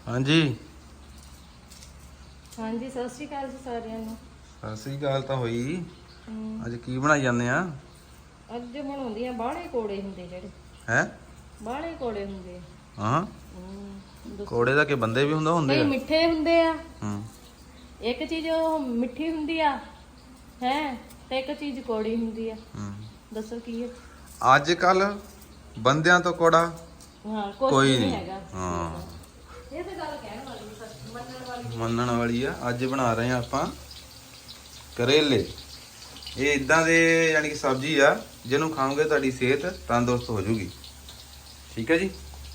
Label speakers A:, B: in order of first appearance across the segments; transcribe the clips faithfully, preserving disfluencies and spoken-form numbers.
A: ਹਾਂਜੀ
B: ਹਾਂਜੀ ਸਤਿ ਸ਼੍ਰੀ ਅਕਾਲ ਜੀ ਸਾਰਿਆਂ ਨੂੰ।
A: ਸਤਿ ਸ੍ਰੀ ਅਕਾਲ ਤਾਂ ਹੋਈ।
B: ਹਮ,
A: ਅੱਜ ਕੀ ਬਣਾਈ ਜਾਂਦੇ ਆ?
B: ਅੱਜ ਬਣਾਉਂਦੀਆਂ ਬਾਹਲੇ ਕੋੜੇ ਹੁੰਦੇ ਜਿਹੜੇ
A: ਹੈ
B: ਬਾਹਲੇ ਕੋੜੇ ਹੁੰਦੇ ਆ।
A: ਹਾਂ
B: ਹਮ, ਦੱਸੋ।
A: ਕੋੜੇ ਦਾ ਕਿ ਬੰਦੇ ਵੀ ਹੁੰਦਾ ਹੁੰਦੇ
B: ਕਈ
A: ਆ?
B: ਮਿੱਠੇ ਹੁੰਦੇ ਆ,
A: ਹੂੰ
B: ਇੱਕ ਚੀਜ਼ ਉਹ ਮਿੱਠੀ ਹੁੰਦੀ ਆ ਹੈ ਤੇ ਇੱਕ ਚੀਜ਼ ਕੋੜੀ ਹੁੰਦੀ ਆ।
A: ਹੂੰ
B: ਦੱਸੋ ਕੀ ਹੈ?
A: ਅੱਜ ਕੱਲ ਬੰਦਿਆਂ ਤੋਂ ਕੋੜਾ
B: ਹਾਂ ਕੁਛ
A: ਕੋਈ
B: ਨਹੀਂ
A: ਨਹੀਂ।
B: ਹੈਗਾ।
A: ਹਾਂ
B: ਇਹ ਤਾਂ ਗੱਲ ਕਹਿਣ ਵਾਲੀ ਹੈ, ਸੱਚ ਮੰਨਣ ਵਾਲੀ।
A: ਮੰਨਣ ਵਾਲੀ ਆ। ਅੱਜ ਬਣਾ ਰਹੇ ਆ ਆਪਾਂ ਕਰੇਲੇ। ਇਹ ਇਦਾਂ ਦੇ ਯਾਨੀ ਕਿ ਸਬਜ਼ੀ ਆ ਜਿਹਨੂੰ ਖਾਓਗੇ ਤੁਹਾਡੀ ਸਿਹਤ ਤੰਦਰੁਸਤ ਹੋ ਜੂਗੀ। ਠੀਕ ਹੈ ਜੀ।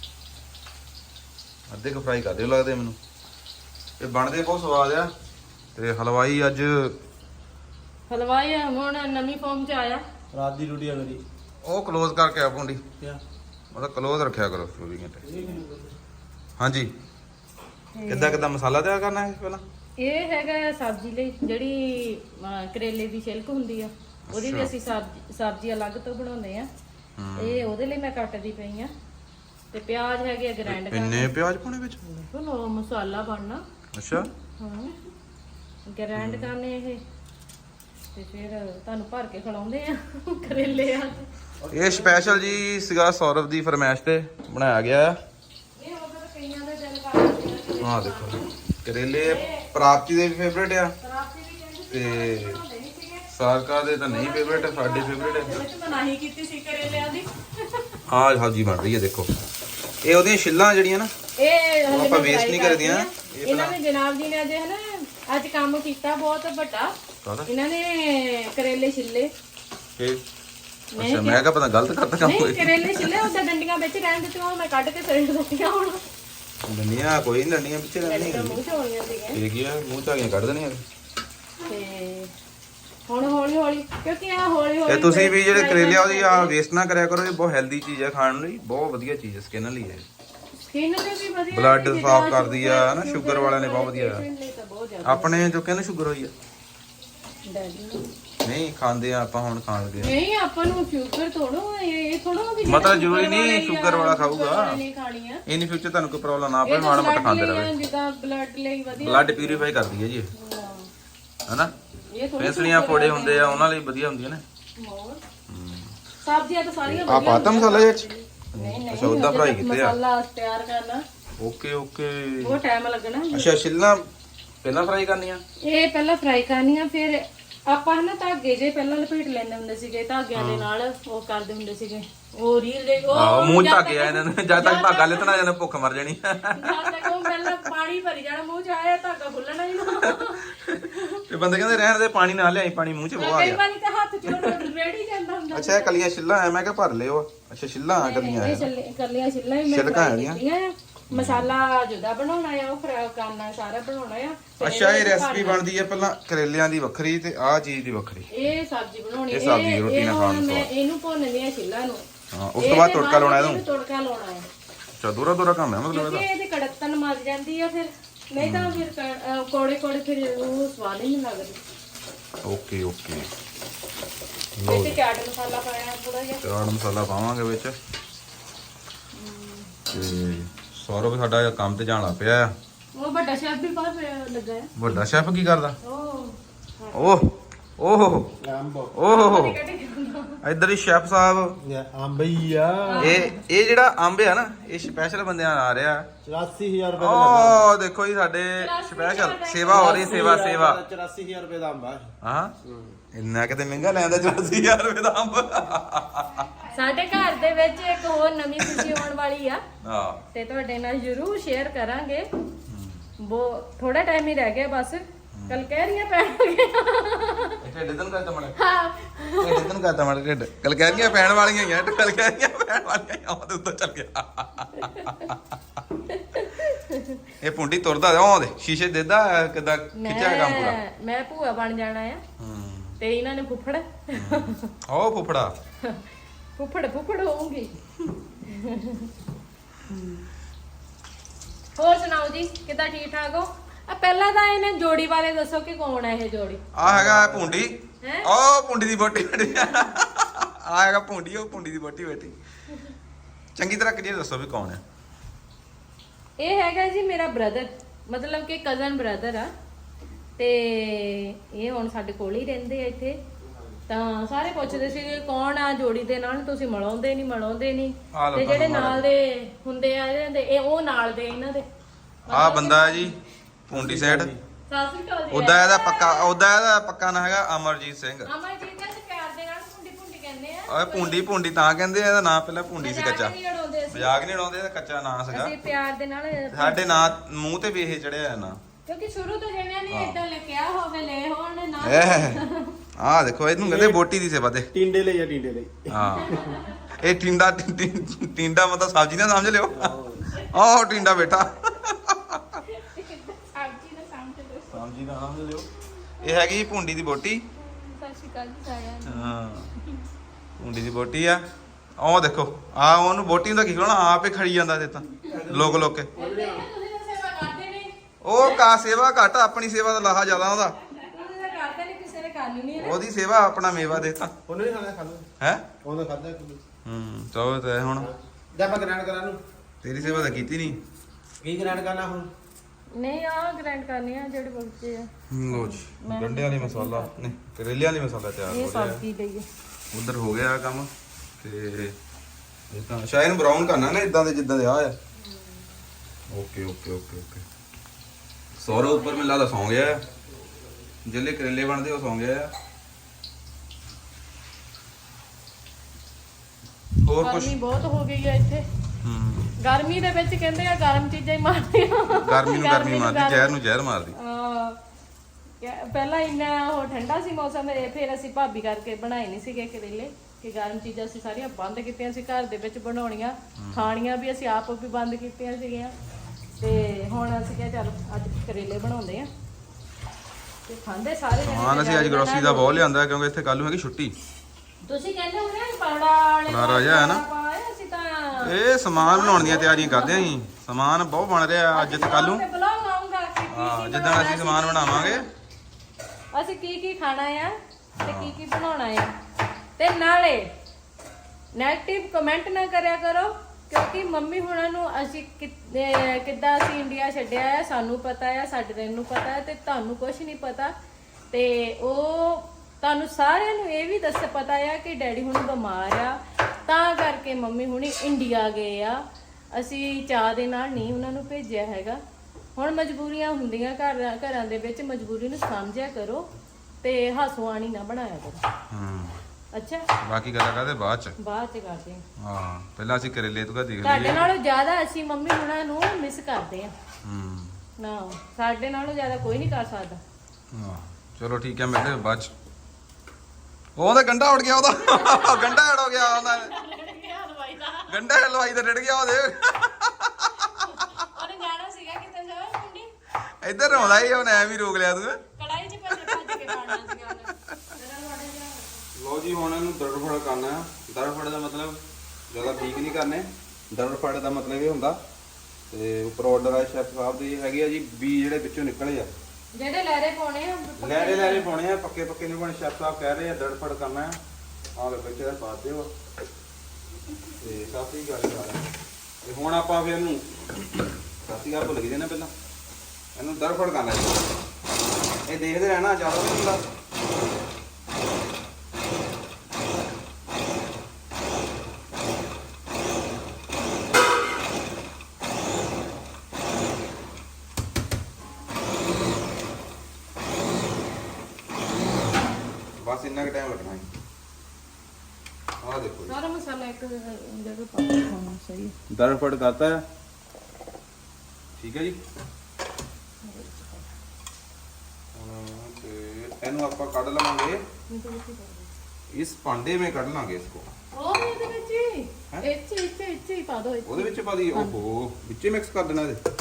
A: ਅੱਧੇ ਕੁ ਫਰਾਈ ਕਰ ਦਿਓ ਲੱਗਦੇ ਮੈਨੂੰ। ਇਹ ਬਣਦੇ ਬਹੁਤ ਸਵਾਦ ਆ। ਤੇ ਹਲਵਾਈ ਅੱਜ
B: ਹਲਵਾਈ ਹੁਣ ਨਵੀਂ ਫਾਰਮ ਚ ਆਇਆ।
C: ਰਾਤ ਦੀ ਰੋਟੀ ਆ ਮੇਰੀ
A: ਉਹ ਕਲੋਜ਼ ਕਰਕੇ ਆ ਪੁੰਡੀ।
C: ਕਿਆ
A: ਉਹਦਾ ਕਲੋਜ਼ ਰੱਖਿਆ ਕਰੋ ਚੌਵੀ ਘੰਟੇ। ਹਾਂਜੀ ਕਿੱਦਾਂ ਕਿੱਦਾਂ ਮਸਾਲਾ ਤਿਆਰ ਕਰਨਾ ਹੈ ਪਹਿਲਾਂ?
B: ਇਹ ਹੈਗਾ ਸਬਜ਼ੀ ਲਈ ਜਿਹੜੀ ਅਹ, ਕਰੇਲੇ ਦੀ ਛਿਲਕ ਹੁੰਦੀ ਆ ਉਹਦੀ ਵੀ
A: ਅੱਛਾ।
B: ਅਸੀਂ ਸਬਜ਼ੀ ਸਬਜ਼ੀ ਅਲੱਗ ਤੋਂ ਬਣਾਉਂਦੇ ਆ।
A: ਹੂੰ।
B: ਇਹ ਉਹਦੇ ਲਈ ਮੈਂ ਕੱਟਦੀ ਪਈ ਆ। ਤੇ ਪਿਆਜ਼ ਹੈਗੇ ਗ੍ਰਾਈਂਡ
A: ਇੰਨੇ ਪਿਆਜ਼ ਪਾਉਣੇ ਵਿੱਚ?
B: ਕਰਨਾ ਮਸਾਲਾ ਬਣਨਾ।
A: ਅੱਛਾ
B: ਹਾਂ ਗ੍ਰਾਈਂਡ ਕਰਨੇ ਇਹ ਤੇ ਫਿਰ ਤੁਹਾਨੂੰ ਭਰ ਕੇ ਖਿਲਾਉਂਦੇ ਆ ਕਰੇਲੇ ਆ।
A: ਇਹ ਸਪੈਸ਼ਲ ਜੀ ਸੀਗਾ ਸੌਰਵ ਦੀ ਫਰਮਾਇਸ਼ ਤੇ ਬਣਾਇਆ ਗਿਆ ਆ।
B: ਇਹ ਉਧਰ ਕਈਆਂ ਦੇ ਦਿਲ ਕਰਦੇ ਆ।
A: ਆਹ ਦੇਖੋ ਕਰੇਲੇ ਪ੍ਰਾਪਤੀ ਦੇ ਵੀ ਫੇਵਰੇਟ ਆ
B: ਰਾਤੀ ਵੀ ਕਹਿੰਦੇ
A: ਤੇ
B: ਬਣਾਉਂਦੇ ਨਹੀਂ ਸੀਗੇ।
A: ਸਾਰਕਾ ਦੇ ਤਾਂ ਨਹੀਂ ਫੇਵਰੇਟ, ਸਾਡੇ ਫੇਵਰੇਟ
B: ਉਹਦੇ ਵਿੱਚ ਮਨਾਹੀ ਕੀਤੀ ਸੀ ਕਰੇਲਿਆਂ ਦੀ।
A: ਆ। ਆਹ ਸਬਜ਼ੀ ਬਣ ਰਹੀ ਹੈ ਦੇਖੋ। ਇਹ ਉਹਦੀਆਂ ਛਿੱਲਾਂ ਜਿਹੜੀਆਂ ਨਾ
B: ਇਹ
A: ਉਹ
B: ਹਲੇ
A: ਆਪਾਂ
B: ਮੈਂ
A: waste
B: fry
A: ਨਹੀਂ ਕਰਦੀਆਂ।
B: ਕਰਦੀ ਆ।
A: ਇਹ
B: ਇਹਨਾਂ
A: ਬਣਾ-
B: ਨੇ ਜਨਾਬ ਜੀ ਨੇ ਅੱਜ ਹੈ ਨਾ ਅੱਜ ਕੰਮ ਕੀਤਾ ਬਹੁਤ ਵੱਡਾ।
A: ਕਾਹਦਾ?
B: ਇਹਨਾਂ ਨੇ ਕਰੇਲੇ ਛਿੱਲੇ।
A: ਇਹ
B: ਮੈਂ
A: ਅੱਛਾ ਮੈਂ ਕਿਹਾ ਪਤਾ ਗਲਤ ਕਰਤਾ ਕੰਮ
B: ਨਹੀਂ
A: ਕੋਈ।
B: ਕਰੇਲੇ ਛਿੱਲੇ ਉਹਦੇ ਡੰਡੀਆਂ ਵਿੱਚ ਰਹਿਣ ਦਿੱਤੇ ਉਹ ਮੈਂ ਕੱਢ ਕੇ ਸਿਰ ਦਿੱਤੀਆਂ ਹੁਣ।
A: ਡੰਡੀਆਂ ਕੋਈ ਨਹੀਂ, ਡੰਡੀਆਂ ਪਿੱਛੇ ਰਹਿਣੀ
B: ਡੰਡੀਆਂ ਮੂੰਹ ਚ ਹੋਣੀਆਂ ਸੀਗੀਆਂ
A: ਇਹ ਕੀ ਆ, ਮੂੰਹ ਝਾਗੀਆਂ ਕੱਢ ਦੇਣੀਆਂ।
B: ਤੇ ਹੁਣ ਹੌਲੀ ਹੌਲੀ ਕਿਉਂਕਿ ਆ ਹੌਲੀ ਹੌਲੀ
A: ਤੇ ਤੁਸੀਂ ਵੀ ਜਿਹੜੇ
B: fry
A: ਕਰੇਲੇ ਆ ਉਹਦੀ ਆ
B: ਕਰਨਾ
A: ਵੇਸਟ ਨਾ ਕਰਿਆ ਕਰੋ। ਇਹ ਬਹੁਤ ਹੈਲਦੀ ਚੀਜ਼ ਹੈ ਖਾਣ ਲਈ, ਬਹੁਤ ਵਧੀਆ ਚੀਜ਼ ਹੈ ਸਕਿਨ ਲਈ। ਇਹ
B: ਸਕਿਨ ਲਈ ਵੀ ਵਧੀਆ
A: ਬਲੱਡ
B: ਹੈ,
A: ਸਾਫ਼
B: ਜਿੱਦਾਂ
A: ਕਰਦੀ ਆ ਨਾ, ਸ਼ੂਗਰ ਵਾਲਿਆਂ ਨੇ ਬਹੁਤ ਵਧੀਆ ਆ।
B: patient ਲਈ ਤਾਂ ਬਹੁਤ ਜ਼ਿਆਦਾ
A: ਆਪਣੇ ਜੋ ਕਹਿੰਦੇ ਸ਼ੂਗਰ ਹੋਈ ਆ
B: ਡੈਡੀ ਨੂੰ।
A: ਨਹੀਂ ਖਾਂਦੇ ਆ ਆਪਾਂ, ਹੁਣ ਖਾਣ ਲੱਗੇ ਆ।
B: ਨਹੀਂ ਆਪਾਂ ਨੂੰ ਸ਼ੂਗਰ ਥੋੜੋ ਇਹ ਥੋੜੋ ਵੀ
A: ਮਤਲਬ ਜ਼ਰੂਰੀ ਨਹੀਂ ਸ਼ੂਗਰ ਵਾਲਾ ਖਾਊਗਾ।
B: ਨਹੀਂ ਖਾਣੀ ਆ।
A: ਇਨ ਫਿਊਚਰ ਤੁਹਾਨੂੰ ਕੋਈ ਪ੍ਰੋਬਲਮ ਨਾ
B: ਇਹ
A: ਪਵੇ,
B: ਤਾਂ
A: ਮਾੜਾ ਮੋਟਾ
B: blood
A: ਖਾਂਦੇ
B: ਲਈ ਆ,
A: ਰਹੇ।
B: ਜਿੱਦਾਂ ਬਲੱਡ ਲਈ ਵਧੀਆ।
A: ਬਲੱਡ ਪਿਊਰੀਫਾਈ ਕਰਦੀ ਹੈ ਜੀ ਇਹ,
B: ਹਾਂ।
A: ਹਨਾ।
B: ਇਹ ਥੋੜੀ
A: ਫੇਸਲੀਆਂ ਫੋੜੇ ਹੁੰਦੇ ਆ ਉਹਨਾਂ ਲਈ ਵਧੀਆ ਹੁੰਦੀਆਂ ਨੇ।
B: ਹੋਰ ਸਬਜ਼ੀਆਂ ਤਾਂ ਸਾਰੀਆਂ
A: ਆ ਪਾਤਾ ਮਸਾਲਾ ਇਹ ਚ?
B: ਨਹੀਂ ਨਹੀਂ
A: ਅੱਛਾ ਉਦਾਂ ਫਰਾਈ ਕੀਤੇ ਆ।
B: ਮਸਾਲਾ ਤਿਆਰ ਕਰਨਾ
A: ਓਕੇ ਓਕੇ।
B: ਉਹ ਟਾਈਮ ਲੱਗਣਾ।
A: ਅੱਛਾ ਛਿੱਲਾਂ ਪਹਿਲਾਂ ਫਰਾਈ ਕਰਨੀਆਂ?
B: ਇਹ ਪਹਿਲਾਂ ਫਰਾਈ ਕਰਨੀਆਂ ਫਿਰ ਆਪਾਂ ਹਨਾ ਧਾਗੇ ਜੇ ਪਹਿਲਾਂ ਲਪੇਟ ਲੈਂਦੇ ਹੁੰਦੇ ਸੀਗੇ ਧਾਗਿਆਂ ਦੇ ਨਾਲ ਉਹ ਕਰਦੇ ਹੁੰਦੇ ਸੀਗੇ ਉਹ ਰੀਲ ਦੇ ਉਹ
A: ਆਹ ਮੂੰਹ
B: ਜਦ
A: ਝਾਕੇ ਆ ਇਹਨਾਂ ਨੇ, ਜਦ ਤੱਕ ਧਾਗਾ ਲਿਤਣਾ ਜਾਂਦਾ ਭੁੱਖ ਮਰ ਜਾਣੀ।
B: ਜਦ ਤੱਕ ਉਹ ਪਹਿਲਾਂ ਪਾਣੀ ਭਰੀ ਜਾਣਾ ਮੂੰਹ ਚ ਆਇਆ ਧਾਗਾ ਖੁੱਲਣਾ ਹੀ ਨਾ।
A: ਤੇ ਬੰਦੇ ਕਹਿੰਦੇ ਰਹਿਣ ਦੇ, ਪਾਣੀ ਨਾ ਲਿਆਈ, ਪਾਣੀ ਮੂੰਹ ਚ ਬਹੁਤ ਆ
B: ਕਈ
A: ਗਿਆ।
B: ਵਾਰੀ ਤਾਂ ਹੱਥ ਚੋਂ ਰੇੜੀ ਜਾਂਦਾ ਹੁੰਦਾ।
A: ਅੱਛਾ ਇਹ ਕਲੀਆਂ ਛਿੱਲਾਂ ਐ, ਮੈਂ ਕਿਹਾ ਭਰ ਲਿਓ। ਅੱਛਾ ਛਿੱਲਾਂ ਆ ਕਲੀਆਂ
B: ਇਹ
A: ਆ।
B: ਛਿੱਲੇ ਕੱਲੀਆਂ ਛਿੱਲਾਂ ਹੀ ਮੈਂ
A: ਛਿਲਕਾਂ
B: fry
A: ਹੈਗੀਆਂ।
B: ਕੀਤੀਆਂ ਆ। ਮਸਾਲਾ ਜੁਦਾ ਬਣਾਉਣਾ ਆ ਉਹ ਫਰਾਈ ਕਰਨਾ ਸਾਰਾ ਬਣਾਉਣਾ ਆ। ਫਿਰ
A: ਅੱਛਾ ਇਹ
B: ਇਹਦੇ ਵਿੱਚ
A: ਰੈਸਪੀ
B: ਭਰਨਾ।
A: ਬਣਦੀ ਹੈ ਪਹਿਲਾਂ ਕਰੇਲਿਆਂ ਦੀ ਵੱਖਰੀ ਤੇ ਆਹ ਚੀਜ਼ ਦੀ ਵੱਖਰੀ।
B: ਇਹ ਸਬਜ਼ੀ ਬਣਾਉਣੀ
A: ਇਹ ਸਬਜ਼ੀ ਰੋਟੀ
B: ਇਹ
A: ਨਾਲ
B: ਹੁਣ
A: ਖਾਣ ਨੂੰ
B: ਮੈਂ
A: ਸਵਾਦ।
B: ਇਹਨੂੰ ਭੁੰਨਦੀ ਆ ਛਿੱਲਾਂ ਨੂੰ।
A: ਹਾਂ ਉਸ ਤੋਂ ਬਾਅਦ
B: ਇਹਦੇ
A: ਤੜਕਾ ਲਾਉਣਾ
B: ਇਹਨੂੰ
A: ਇਹਨੂੰ।
B: ਤੜਕਾ ਲਾਉਣਾ ਹੈ
A: ਅੱਛਾ ਦੂਰਾ ਦੂਰਾ ਕੰਮ ਹੈ ਮਤਲਬ
B: ਕਿਉਂਕਿ
A: ਇਹਦਾ।
B: ਇਹਦੇ ਕੜਤਨ ਮੱਜ ਜਾਂਦੀ ਆ ਫਿਰ ਨਹੀਂ ਤਾਂ ਫਿਰ ਕ- ਅਹ ਕੋੜੇ ਕੋੜੇ ਫਿਰ ਉਹ ਸਵਾਦ ਹੀ ਨਹੀਂ ਲੱਗਦੀ।
A: ਓਕੇ ਓਕੇ ਲਓ
B: ਤੇ ਚਾਟ ਮਸਾਲਾ ਪਾਇਆ ਥੋੜਾ ਜਿਹਾ।
A: ਚਾਟ ਮਸਾਲਾ ਪਾਵਾਂਗੇ ਵਿੱਚ। ਤੇ ਸੌਰਵ ਸਾਡਾ ਕੰਮ ਤੇ ਜਾਣ ਲੱਗ ਪਿਆ ਆ।
B: ਉਹ ਵੱਡਾ ਸ਼ੈਫ ਵੀ ਬਾਹਰ ਲੱਗਾ ਹੈ।
A: ਵੱਡਾ ਸ਼ੈਫ ਕੀ ਕਰਦਾ?
B: ਉਹ
A: ਓਹ ਓਹ
C: ਅੰਬ
A: ਓਹ ਇੱਧਰ ਹੀ ਸ਼ੈਫ ਸਾਹਿਬ।
C: ਇਹ ਅੰਬ ਹੀ ਆ
A: ਇਹ ਇਹ ਜਿਹੜਾ ਅੰਬ ਆ ਨਾ ਇਹ ਸਪੈਸ਼ਲ ਬੰਦਿਆਂ ਨਾਲ ਆ ਰਿਹਾ।
C: ਚੁਰਾਸੀ ਹਜ਼ਾਰ ਰੁਪਏ ਦਾ ਲੱਗਾ
A: ਓ ਦੇਖੋ ਜੀ ਸਾਡੇ ਸਪੈਸ਼ਲ ਸੇਵਾ ਹੋ ਰਹੀ, ਸੇਵਾ ਸੇਵਾ।
C: ਚੁਰਾਸੀ ਹਜ਼ਾਰ ਰੁਪਏ ਦਾ ਅੰਬ ਆ।
A: ਹਾਂ ਇੰਨਾ ਕਿਤੇ ਮਹਿੰਗਾ ਲੈਂਦਾ ਚੁਰਾਸੀ ਹਜ਼ਾਰ ਰੁਪਏ ਦਾ ਅੰਬ।
B: ਸਾਡੇ ਘਰ ਦੇ ਵਿੱਚ ਇੱਕ ਹੋਰ ਨਵੀਂ ਖੁਸ਼ੀ ਆਉਣ ਵਾਲੀ ਆ
A: ਹਾਂ
B: ਤੇ ਤੁਹਾਡੇ ਨਾਲ ਜ਼ਰੂਰ ਸ਼ੇਅਰ ਕਰਾਂਗੇ। ਬੋ ਥੋੜਾ ਟਾਈਮ ਹੀ ਰਹਿ ਗਿਆ ਬਸ ਕੱਲ ਕਹਿ ਰਹੀਆਂ ਪੈਣਗੇ।
A: ਇੱਥੇ ਡਿੱਦਨ ਕਰਤਾ ਮੜ
B: ਹਾਂ
A: ਇਹ ਡਿੱਦਨ ਕਰਤਾ ਮੜ ਢਿੱਡ। ਕੱਲ ਕਹਿ ਰਹੀਆਂ ਪੈਣ ਵਾਲੀਆਂ ਹੀ ਆ, ਕੱਲ ਕਹਿ ਰਹੀਆਂ ਪੈਣ ਵਾਲੀਆਂ ਹੀ ਆ, ਉਹਦੇ ਉੱਤੇ ਚੱਲ ਗਿਆ। ਇਹ ਪੁੰਡੀ ਤੁਰਦਾ ਉਹ ਦੇ ਸ਼ੀਸ਼ੇ ਦੇਦਾ ਕਿਦਾਂ ਖਿੱਚਿਆ ਕੰਮ ਪੂਰਾ।
B: ਮੈਂ ਮੈਂ ਭੂਆ ਬਣ ਜਾਣਾ ਆ
A: ਹੂੰ
B: ਤੇ ਇਹਨਾਂ ਨੇ ਫੁੱਫੜ
A: ਉਹ ਫੁੱਫੜਾ
B: ਫੁੱਫੜ ਫੁੱਫੜ ਹੋਊਗੀ। ਹੋਰ ਸੁਣਾਓ ਜੀ ਕਿੱਦਾਂ ਠੀਕ ਠਾਕ ਹੋ? ਆ ਪਹਿਲਾਂ ਤਾਂ ਇਹਨੇ ਜੋੜੀ ਬਾਰੇ ਦੱਸੋ ਕਿ ਕੌਣ ਹੈ ਇਹ ਜੋੜੀ?
A: ਆ ਹੈਗਾ ਪੁੰਡੀ।
B: ਹੈਂ?
A: ਉਹ ਪੁੰਡੀ ਦੀ ਬੋਟੀ ਬੈਠੀ ਆ ਹੈਗਾ ਪੁੰਡੀ, ਉਹ ਪੁੰਡੀ ਦੀ ਬੋਟੀ ਬੈਠੀ। ਚੰਗੀ ਤਰ੍ਹਾਂ ਕਲੀਅਰ ਦੱਸੋ ਵੀ ਕੌਣ ਹੈ।
B: ਇਹ ਹੈਗਾ ਜੀ ਮੇਰਾ ਬ੍ਰਦਰ, ਮਤਲਬ ਕਿ ਕਜ਼ਨ ਬ੍ਰਦਰ ਆ, ਤੇ ਇਹ ਹੁਣ ਸਾਡੇ ਕੋਲ ਹੀ ਰਹਿੰਦੇ ਆ ਇੱਥੇ। ਤਾਂ ਸਾਰੇ ਪੁੱਛਦੇ ਸੀ ਕਿ ਕੌਣ ਆ ਜੋੜੀ ਦੇ ਨਾਲ, ਤੁਸੀਂ ਮਿਲਾਉਂਦੇ ਨਹੀਂ ਮਿਲਾਉਂਦੇ ਨਹੀਂ।
A: ਆਹ ਲਓ
B: ਤੇ ਜਿਹੜੇ
A: ਤੁਹਾਨੂੰ
B: ਨਾਲ ਦੇ ਹੁੰਦੇ ਆ ਇਹਨਾਂ ਦੇ, ਇਹ ਉਹ ਨਾਲ ਦੇ ਇਹਨਾਂ ਦੇ।
A: ਆਹ ਬੰਦਾ ਹੈ ਜੀ ਪੁੰਡੀ ਸਾਈਡ।
B: ਸਤਿ ਸ਼੍ਰੀ ਅਕਾਲ ਜੀ।
A: ਉਹਦਾ ਇਹਦਾ ਪੱਕਾ ਉਹਦਾ ਇਹਦਾ ਪੱਕਾ ਨਾਂ ਹੈਗਾ ਅਮਰਜੀਤ ਸਿੰਘ।
B: ਅਮਰਜੀਤ ਜੀ ਪਿਆਰ ਦੇ ਨਾਲ ਪੁੰਡੀ ਪੁੰਡੀ ਕਹਿੰਦੇ ਆ।
A: ਓਏ ਪੁੰਡੀ ਪੁੰਡੀ ਤਾਂ ਕਹਿੰਦੇ ਆ, ਇਹਦਾ ਨਾਂ ਪਹਿਲਾਂ ਪੁੰਡੀ ਸੀ ਕੱਚਾ।
B: ਨਹੀਂ ਉਡਾਉਂਦੇ ਅਸੀਂ।
A: ਮਜ਼ਾਕ ਨਹੀਂ ਉਡਾਉਂਦੇ, ਇਹਦਾ ਕੱਚਾ ਨਾਂ ਸੀਗਾ।
B: ਅਸੀਂ ਪਿਆਰ ਦੇ ਨਾਲ,
A: ਸਾਡੇ ਨਾਂ ਮੂੰਹ ਤੇ ਵੀ ਇਹ ਚੜਿਆ ਨਾ,
B: ਕਿਉਂਕਿ ਸ਼ੁਰੂ ਤੋਂ ਜਿਹੜਿਆਂ ਨੇ ਇਦਾਂ ਲਿਖਿਆ ਹੋਵੇ ਲੈ ਹੋਣ ਨਾ।
A: ਆਹ ਦੇਖੋ ਇਹਨੂੰ ਕਹਿੰਦੇ ਬੋਟੀ ਦੀ ਸੇਵਾ ਤੇ।
C: ਟਿੰਡੇ ਲਈ ਆ ਟਿੰਡੇ ਲਈ।
A: ਹਾਂ ਇਹ ਟਿੰਡਾ ਟਿੰਡਾ ਮਤਲਬ ਸਬਜ਼ੀ ਨਾ ਸਮਝ ਲਿਓ। ਆਹ ਟਿੰਡਾ ਬੇਟਾ
B: ਸਬਜ਼ੀ ਦਾ ਸਮਝ ਲਓ।
A: ਸਬਜ਼ੀ ਨਾ ਸਮਝ ਲਿਓ। ਇਹ ਹੈਗੀ ਜੀ ਪੁੰਡੀ ਦੀ ਬੋਟੀ।
B: ਸਤਿ ਸ਼੍ਰੀ ਅਕਾਲ ਜੀ ਸਾਰਿਆਂ ਨੂੰ।
A: ਹਾਂ ਪੁੰਡੀ ਦੀ ਬੋਟੀ ਆ। ਉਹ ਦੇਖੋ ਆ ਉਹਨੂੰ ਬੋਟੀ ਦਾ ਕੀ ਖਲਾਉਣਾ, ਆਪ ਹੀ ਖੜੀ ਜਾਂਦਾ ਤੇ ਤਾਂ ਲੋਕ ਲੋਕ ਕੇ।
B: ਤੁਸੀਂ ਤਾਂ ਸੇਵਾ ਕਰਦੇ ਨਹੀਂ।
A: ਉਹ ਕਾ ਸੇਵਾ ਘੱਟ, ਆਪਣੀ ਸੇਵਾ ਦਾ ਲਾਹਾ ਜ਼ਿਆਦਾ ਉਹਦਾ।
B: ਤੁਸੀਂ ਤਾਂ ਕਰਦੇ ਨਹੀਂ, ਕਿਸੇ ਨੇ ਕਰਨੀ ਨਹੀਂ ਹੈ।
A: ਉਹਦੀ ਸੇਵਾ ਆਪਣਾ ਮੇਵਾ ਦੇਤਾ
C: ਉਹਨੇ ਨਹੀਂ ਖਾਣਾ ਖਾਣਾ
A: ਹੈ।
C: ਉਹਨੇ ਖਾਦਾ
A: ਹੂੰ ਚਲੋ ਤੇ ਹੁਣ
C: ਜਾ ਆਪਾਂ ਗ੍ਰੈਂਡ ਕਰਾਂ ਨੂੰ।
A: ਤੇਰੀ ਸੇਵਾ ਤਾਂ ਕੀਤੀ ਨਹੀਂ।
C: ਕੀ ਗ੍ਰੈਂਡ ਕਰਨਾ ਹੁਣ?
B: ਨਹੀਂ ਆ ਗ੍ਰਾਈਂਡ ਕਰਨੀ ਆ ਜਿਹੜੇ ਬੁਲਚੇ ਆ।
A: ਲੋ ਜੀ ਗੰਡੇ ਵਾਲੀ ਮਸਾਲਾ ਨਹੀਂ ਕਰੇਲੇ ਵਾਲੀ ਮਸਾਲਾ ਤਿਆਰ
B: ਇਹ
A: ਹੋ ਰਿਹਾ।
B: ਸਬਜ਼ੀ ਲਈ ਹੈ।
A: ਉਧਰ ਹੋ ਗਿਆ ਕੰਮ ਤੇ ਇਹ ਤਾਂ ਸ਼ਾਇਦ ਨੂੰ ਬਰਾਊਨ ਕਰਨਾ ਨਾ ਇਦਾਂ ਦੇ ਜਿੱਦਾਂ ਦੇ ਆ ਆ। Okay okay okay okay. Saurav ਉੱਪਰ ਮੈਨੂੰ ਲੱਗਦਾ ਸੌਂ ਗਿਆ ਆ। ਜਿਹੜੇ ਕਰੇਲੇ ਬਣਦੇ ਉਹ ਸੌਂ ਗਿਆ ਆ। ਹੋਰ ਕੁਝ
B: ਗਰਮੀ ਬਹੁਤ ਹੋ ਗਈ ਆ ਇੱਥੇ।
A: ਹੂੰ
B: ਗਰਮੀ ਦੇ ਵਿੱਚ ਕਹਿੰਦੇ ਆ ਗਰਮ ਚੀਜ਼ਾਂ ਹੀ ਮਾਰਦੀਆਂ।
A: ਗਰਮੀ ਨੂੰ ਗਰਮੀ ਮਾਰਦੀ, ਜ਼ਹਿਰ ਨੂੰ ਜ਼ਹਿਰ ਮਾਰਦੀ।
B: ਅਹ ਕਿਆ- ਪਹਿਲਾਂ ਇੰਨਾ ਉਹ ਠੰਡਾ ਸੀ ਮੌਸਮ, ਇਹ ਫਿਰ ਅਸੀਂ ਭਾਬੀ ਕਰਕੇ ਬਣਾਏ ਨਹੀਂ ਸੀਗੇ ਕਰੇਲੇ ਕਿ ਗਰਮ ਚੀਜ਼ਾਂ ਅਸੀਂ ਸਾਰੀਆਂ ਬੰਦ ਕੀਤੀਆਂ ਸੀ ਘਰ ਦੇ ਵਿੱਚ ਬਣਾਉਣੀਆਂ, ਖਾਣੀਆਂ ਵੀ ਅਸੀਂ ਆਪ ਵੀ ਬੰਦ ਕੀਤੀਆਂ ਸੀਗੀਆਂ। ਤੇ ਹੁਣ ਅਸੀਂ ਕਿਹਾ ਚੱਲ ਅੱਜ ਕਰੇਲੇ ਬਣਾਉਂਦੇ ਆ ਤੇ ਖਾਂਦੇ ਸਾਰੇ ਜਣੇ।
A: ਹਾਂ ਅਸੀਂ ਅੱਜ ਗਰੋਸਰੀ ਦਾ ਬਹੁਤ ਲਿਆਂਦਾ ਕਿਉਂਕਿ ਇੱਥੇ ਕੱਲ ਨੂੰ ਹੈਗੀ ਛੁੱਟੀ।
B: ਤੁਸੀਂ ਕਹਿੰਦੇ ਹੋ ਨਾ ਪਰੜਾ ਵਾਲੇ
A: ਪਰਾੜਾ ਜਿਹਾ ਹੈ ਨਾ।
B: ਪਾਏ, ਅਸੀਂ ਤਾਂ
A: ਇਹ ਸਮਾਨ ਬਣਾਉਣ ਦੀਆਂ ਤਿਆਰੀਆਂ ਕਰਦੇ ਆਂ ਜੀ। ਸਮਾਨ ਬਹੁਤ ਬਣ ਰਿਹਾ ਅੱਜ ਤੇ ਕੱਲ ਨੂੰ।
B: ਬਲੌਗ ਆਉਂਗਾ ਕਿ ਕੀ
A: ਹਾਂ
B: ਕੀ
A: ਜਿੱਦਣ ਅਸੀਂ ਸਮਾਨ ਬਣਾਵਾਂਗੇ।
B: ਅਸੀਂ ਕੀ ਕੀ ਖਾਣਾ ਆ ਤੇ ਕੀ ਕੀ ਬਣਾਉਣਾ ਆ। ਤੇ ਨਾਲੇ ਨੈਗੇਟਿਵ ਕਮੈਂਟ ਨਾ ਕਰਿਆ ਕਰੋ, ਕਿਉਂਕਿ ਮੰਮੀ ਹੁਣਾਂ ਨੂੰ ਅਸੀਂ ਕਿ- ਕਿੱਦਾਂ ਅਸੀਂ ਇੰਡੀਆ ਛੱਡਿਆ ਆ ਸਾਨੂੰ ਪਤਾ ਆ, ਸਾਡੇ ਦਿਨ ਨੂੰ ਪਤਾ ਹੈ ਤੇ ਤੁਹਾਨੂੰ ਕੁਝ ਨਹੀਂ ਪਤਾ। ਤੇ ਉਹ ਤੁਹਾਨੂੰ ਸਾਰਿਆਂ ਨੂੰ ਇਹ ਵੀ ਦੱਸ ਪਤਾ ਆ ਕਿ ਡੈਡੀ ਹੁਣ ਬਿਮਾਰ ਆ, ਤਾਂ ਕਰਕੇ ਮੰਮੀ ਹੁਣੀ ਇੰਡੀਆ ਗਏ ਆ। ਅਸੀਂ ਚਾਹ ਦੇ ਨਾਲ ਨਹੀਂ ਉਹਨਾਂ ਨੂੰ ਭੇਜਿਆ ਹੈਗਾ। ਹੁਣ ਮਜਬੂਰੀਆਂ ਹੁੰਦੀਆਂ ਘਰ ਘਰਾਂ ਦੇ ਵਿੱਚ, ਮਜਬੂਰੀ ਨੂੰ ਸਮਝਿਆ ਕਰੋ ਤੇ ਹਾਸੋਆਣੀ ਨਾ ਬਣਾਇਆ ਕਰੋ।
A: ਹੂੰ
B: ਅੱਛਾ
A: ਬਾਕੀ ਗੱਲਾਂ ਕਰਦੇ ਬਾਅਦ ਚ।
B: ਬਾਅਦ ਚ ਕਰਦੇ ਹਾਂ।
A: ਹਾਂ ਪਹਿਲਾਂ ਅਸੀਂ ਕਰੇਲੇ ਤੋਂ ਦੇਖ
B: ਤੁਹਾਡੇ
A: ਲਈਏ।
B: ਨਾਲੋਂ ਜ਼ਿਆਦਾ ਅਸੀਂ ਮੰਮੀ ਹੁਣਾਂ ਨੂੰ ਮਿਸ ਕਰਦੇ ਆ
A: ਹੂੰ
B: ਨਾ, ਸਾਡੇ ਨਾਲੋਂ ਜ਼ਿਆਦਾ ਕੋਈ ਨਹੀਂ ਕਰ ਸਕਦਾ।
A: ਹਾਂ ਚਲੋ ਠੀਕ ਹੈ ਮਿਲਦੇ ਹਾਂ ਬਾਅਦ ਚ। ਉਹਦਾ ਗੰਡਾ ਉੱਡ ਗਿਆ, ਉਹਦਾ ਗੰਡਾ ਉੱਡ ਗਿਆ ਉਹਦਾ। ਗੰਡਾ ਹਲਵਾਈ ਦਾ ਡਿੱਡ ਗਿਆ ਉਹਦੇ।
B: ਉਹਨੇ ਜਾਣਾ ਸੀਗਾ ਕਿਤੇ ਜਾਵੇ ਕੁੰਡੀ,
A: ਇੱਧਰ ਆਉਂਦਾ ਹੀ ਉਹਨੇ ਐਵੇਂ ਹੀ ਰੋਕ ਲਿਆ ਤੂੰ।
B: ਕੜਾਈ 'ਚ ਭੱਜ ਭੱਜ ਕੇ ਪਾਣਾ ਸੀਗਾ ਉਹਨੇ। ਮੇਰਾ ਮਾੜਾ ਜਿਹਾ
A: ਲੋ ਜੀ ਹੁਣ ਇਹਨੂੰ ਦਰੜਫੜ ਕਰਨਾ ਹੈ। ਦਰੜਫੜ ਦਾ ਮਤਲਬ ਜ਼ਿਆਦਾ ਠੀਕ ਨਹੀਂ ਕਰਨੇ। ਦਰੜਫੜ ਦਾ ਮਤਲਬ ਇਹ ਹੁੰਦਾ ਤੇ ਉੱਪਰ ਆਰਡਰ ਆ ਸ਼ੈਫ ਸਾਹਿਬ ਦੀ ਹੈਗੀ ਆ ਜੀ, ਬੀ ਜਿਹੜੇ ਵਿੱਚੋਂ ਨਿਕਲੇ ਆ
B: ਜਿਹੜੇ ਲਹਿਰੇ ਪਾਉਣੇ ਆ
A: ਲੈਰੇ ਲੈਰੇ ਪਾਉਣੇ ਆ, ਪੱਕੇ ਪੱਕੇ ਨਹੀਂ ਪਾਉਣੇ। ਸ਼ੈਫ ਸਾਹਿਬ ਕਹਿ ਰਹੇ ਆ ਦਰੜਫੜ ਕਰਨਾ ਹੈ। ਆਹ ਲੋ ਬੱਚੇ ਦਾ ਪਾ ਦਿਓ ਤੇ ਕਾਫੀ ਗੱਲ ਕਰ ਰਹੇ ਤੇ ਹੁਣ ਆਪਾਂ ਫਿਰ ਇਹਨੂੰ ਕਾਫੀ ਗੱਲ ਭੁੱਲ ਗਏ ਨਾ, ਪਹਿਲਾਂ ਇਹਨੂੰ ਦਰੜਫੜ ਕਰਨਾ ਜੀ। ਇਹ ਦੇਖਦੇ ਰਹਿਣਾ, ਜ਼ਿਆਦਾ ਨਹੀਂ ਹੁੰਦਾ। बस इतना का टाइम लगना है। हाँ देखो
B: ਸਾਰਾ ਮਸਾਲਾ ਇੱਕ ਜਗ੍ਹਾ ਪਾ ਕੇ ਖਾਣਾ ਸਹੀ ਹੈ।
A: दरफड़ करता है। ठीक है जी। ਇਹਨੂੰ ਆਪਾਂ ਕੱਢ ਲਵਾਂਗੇ ਇਸ ਭਾਂਡੇ ਵਿੱਚ, ਕੱਢ ਲਾਂਗੇ ਇਸਕੋ।
B: ਉਹ ਵੀ ਇਹਦੇ ਵਿੱਚ ਹੀ ਇੱਥੇ ਇੱਥੇ ਇੱਥੇ ਹੀ ਪਾ ਦੋ।
A: ਉਹਦੇ ਵਿੱਚ ਪਾ ਦੀ। ਓਹੋ ਵਿੱਚੇ ਮਿਕਸ ਕਰ ਦੇਣਾ ਇਹਦੇ।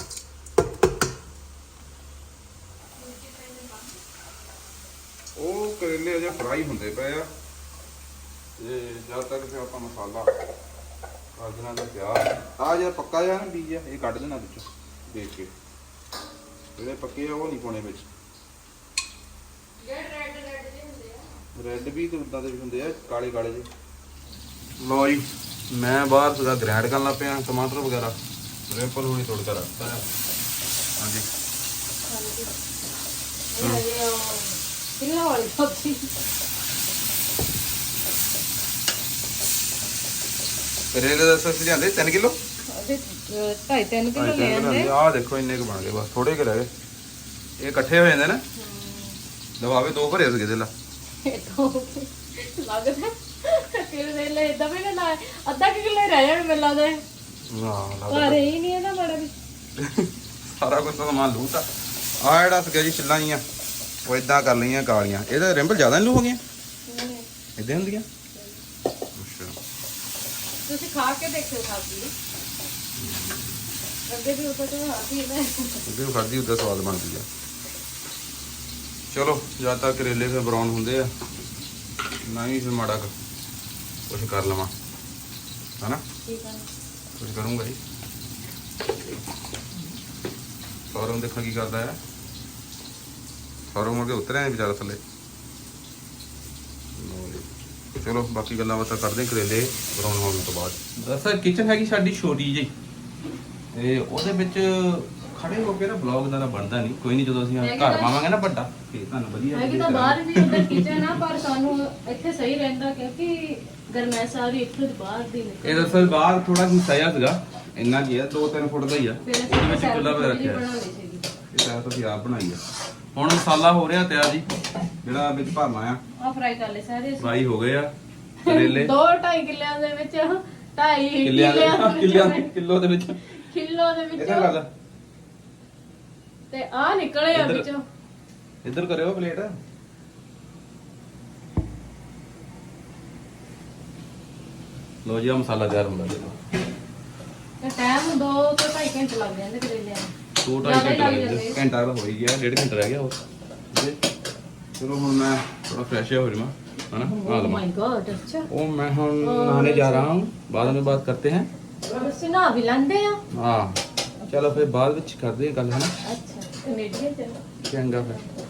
A: ਉਹ ਕਰੇਲੇ ਅਜੇ ਫਰਾਈ ਹੁੰਦੇ ਪਏ ਆ ਤੇ ਜਦ ਤੱਕ ਫਿਰ ਆਪਾਂ ਮਸਾਲਾ ਕਰ ਦੇਣਾ ਦਾ ਪਿਆਰ। ਆ ਜਿਹੜਾ ਪੱਕਾ ਜਿਹਾ ਨਾ ਬੀਜ ਆ ਇਹ ਕੱਢ ਦੇਣਾ ਵਿੱਚੋਂ ਦੇਖ ਕੇ। ਜਿਹੜੇ ਪੱਕੇ ਆ ਉਹ ਨਹੀਂ ਪਾਉਣੇ ਵਿੱਚ।
B: ਜਿਹੜੇ ਰੈੱਡ ਰੈੱਡ ਜਿਹੇ ਹੁੰਦੇ ਆ,
A: ਰੈੱਡ ਵੀ ਤੇ ਉਦਾਂ ਦੇ ਵੀ ਹੁੰਦੇ ਆ, ਕਾਲੇ ਕਾਲੇ ਜਿਹੇ। ਲੋ ਜੀ ਮੈਂ ਬਾਹਰ ਸੀਗਾ ਗ੍ਰੈਂਡ ਕਰਨ ਲੱਗ ਪਿਆ ਟਮਾਟਰ ਵਗੈਰਾ ਰਿੰਪਲ ਹੁਣੀ ਤੋੜਕਾ ਰੱਖਤਾ ਹੈ ਹਾਂਜੀ
B: ਇਹ ਉਹ ਕਿੰਨਾ ਵਾਲੀ ਸਬਜ਼ੀ
A: ਕਰੇਲੇ ਦਾ ਸਸ ਲਿਆਂਦੇ ਤਿੰਨ ਕਿਲੋ
B: ਉਹਦੇ ਢਾਈ ਤਿੰਨ ਕਿਲੋ ਲੈ ਆਂਦੇ
A: ਆਹ ਦੇਖੋ ਇੰਨੇ ਕੁ ਬਣ ਗਏ ਬਸ ਥੋੜੇ ਕੁ ਰਹਿ ਗਏ ਇਹ ਇਕੱਠੇ ਹੋ ਜਾਂਦੇ ਨਾ ਦਵਾਵੇ ਦੋ ਭਰੇ ਸੀਗੇ ਦਿਲਾ
B: ਇਹ ਤੋਂ ਲੱਗਦਾ ਕਿਹੜੇ ਲੈ ਇਦਾਂ ਵੀ ਨਾ ਅੱਧਾ ਕਿਲੋ ਰਹਿ ਜਾਣ ਮੈਨੂੰ ਲੱਗਦਾ
A: ਹਾਂ
B: ਪਰ ਇਹ ਨਹੀਂ ਇਹਦਾ ਬੜਾ ਵੀ
A: ਸਾਰਾ ਕੁਝ ਤਾਂ ਸਮਾਨ ਲੂਤਾ ਆ ਜਿਹੜਾ ਸੀਗਾ ਜੀ ਛਿੱਲਾਂ ਜੀਆਂ ਉਹ ਇਦਾਂ ਕਰ ਲਈਆਂ ਕਾਲੀਆਂ ਇਹਦਾ ਰਿੰਪਲ ਜ਼ਿਆਦਾ ਨਹੀਂ ਲੂ ਹੋ ਗਈਆਂ ਇਦਾਂ ਹੁੰਦੀਆਂ ਅੱਛਾ
B: ਤੁਸੀਂ ਖਾ ਕੇ ਦੇਖਿਓ ਸਬਜ਼ੀ ਅੱਗੇ ਵੀ ਉੱਪਰ ਤੋਂ ਆਦੀ ਹੈ
A: ਉਹਦੇ ਖਾਦੀ ਉਹਦਾ ਸਵਾਦ ਬਣਦੀ ਆ ਚਲੋ ਜਦ ਤੱਕ ਕਰੇਲੇ ਫਿਰ ਬਰਾਊਨ ਹੁੰਦੇ ਆ ਨਹੀਂ ਫਿਰ ਮਾੜਾ ਕੁਝ ਕਰ ਲਵਾਂ ਹਨਾ
B: ਠੀਕ ਹੈ
A: ਕੁਝ ਕਰੂੰਗਾ ਜੀ ਸੌਰਵ ਦੇਖਾਂ ਕੀ ਕਰਦਾ ਹੈ ਸੌਰਵ ਮੁੜ ਕੇ ਉਤਰਿਆ ਨਹੀਂ ਵਿਚਾਰਾ ਥੱਲੇ ਚਲੋ ਬਾਕੀ ਗੱਲਾਂ ਬਾਤਾਂ ਕਰਦੇ ਹਾਂ ਕਰੇਲੇ ਬਰਾਊਨ ਹੋਣ ਤੋਂ ਬਾਅਦ ਦਰਅਸਲ ਕਿਚਨ ਹੈਗੀ ਸਾਡੀ ਛੋਟੀ ਜਿਹੀ ਤੇ ਉਹਦੇ ਵਿੱਚ ਖੜੇ ਹੋ ਕੇ ਨਾ ਬਲੌਗ ਦਾ ਬਣਦਾ ਨਹੀਂ ਕੋਈ ਨਹੀਂ ਜਦੋਂ ਅਸੀਂ ਘਰ ਪਾਵਾਂਗੇ ਨਾ ਵੱਡਾ ਤੇ ਤੁਹਾਨੂੰ ਵਧੀਆ
B: ਹੈ ਕਿ ਤਾਂ ਬਾਹਰ ਵੀ ਉਹਦਾ ਕਿਚਨ ਆ ਪਰ ਸਾਨੂੰ ਇੱਥੇ ਸਹੀ ਰਹਿੰਦਾ ਕਿਉਂਕਿ ਗਰਮੈਸ਼ ਸਾਰੀ ਇੱਥੇ ਦੀ ਬਾਹਰ ਦੀ ਨਿਕਲ
A: ਇਹ ਦਰਅਸਲ ਬਾਹਰ ਥੋੜਾ ਹਿੱਸਾ ਜਿਹਾ ਸੀਗਾ ਇੰਨਾ ਕੀ ਹੈ ਦੋ ਤਿੰਨ ਫੁੱਟ ਦਾ ਹੀ ਆ ਉਹਦੇ ਵਿੱਚ ਚੁੱਲ੍ਹਾ ਵੀ ਰੱਖਿਆ ਇਹ ਤਾਂ ਤੁਸੀਂ ਆਪ ਬਣਾਈ ਆ ਹੁਣ ਮਸਾਲਾ ਹੋ ਰਿਹਾ ਤਿਆਰ ਜੀ ਜਿਹੜਾ ਵਿੱਚ ਭਰਨਾ ਆ
B: ਆ ਫਰਾਈ ਕਰ ਲੈ ਸਾਰੇ
A: ਫਰਾਈ ਹੋ ਗਏ ਆ ਕਰੇਲੇ
B: ਦੋ ਢਾਈ ਕਿੱਲਿਆਂ ਦੇ ਵਿੱਚ ਢਾਈ
A: ਕਿੱਲਿਆਂ ਦੇ ਕਿੱਲਿਆਂ ਕਿਲੋ ਦੇ ਵਿੱਚ
B: ਕਿਲੋ ਦੇ ਵਿੱਚ
A: ਇਹਦਾ ਗੱਲ
B: ਤੇ ਆ ਨਿਕਲੇ ਆ ਵਿੱਚੋਂ
A: ਇੱਧਰ ਕਰਿਓ ਪਲੇਟ ਲੋ ਜੀ ਆ ਮਸਾਲਾ ਤਿਆਰ ਹੁੰਦਾ ਦੇਖੋ
B: ਤੇ ਟਾਈਮ ਦੋ ਤੋਂ ਢਾਈ ਘੰਟੇ ਲੱਗ ਜਾਂਦੇ ਕਰੇਲਿਆਂ ਨੂੰ
A: ਦੋ ਢਾਈ ਘੰਟੇ ਲੱਗ ਜਾਂਦੇ ਘੰਟਾ ਤਾਂ ਹੋ ਹੀ ਗਿਆ ਡੇਢ ਘੰਟਾ ਰਹਿ ਗਿਆ ਹੋਰ ਚਲੋ ਹੁਣ ਮੈਂ ਥੋੜਾ ਫਰੈਸ਼ ਹੋ ਜਾਵਾਂ है ना
B: ओह माय गॉड अच्छा
A: ओ मैं हम नहाने जा रहा हूँ बाद में बात करते हैं
B: ਤੁਸੀਂ ਨਾ ਵੀ ਲੰਦੇ ਆ
A: हाँ चलो फिर बाद में करते हैं कल है ना
B: ਅੱਛਾ ਕੈਨੇਡੀਅਨ ਚਲੋ
A: चंगा फिर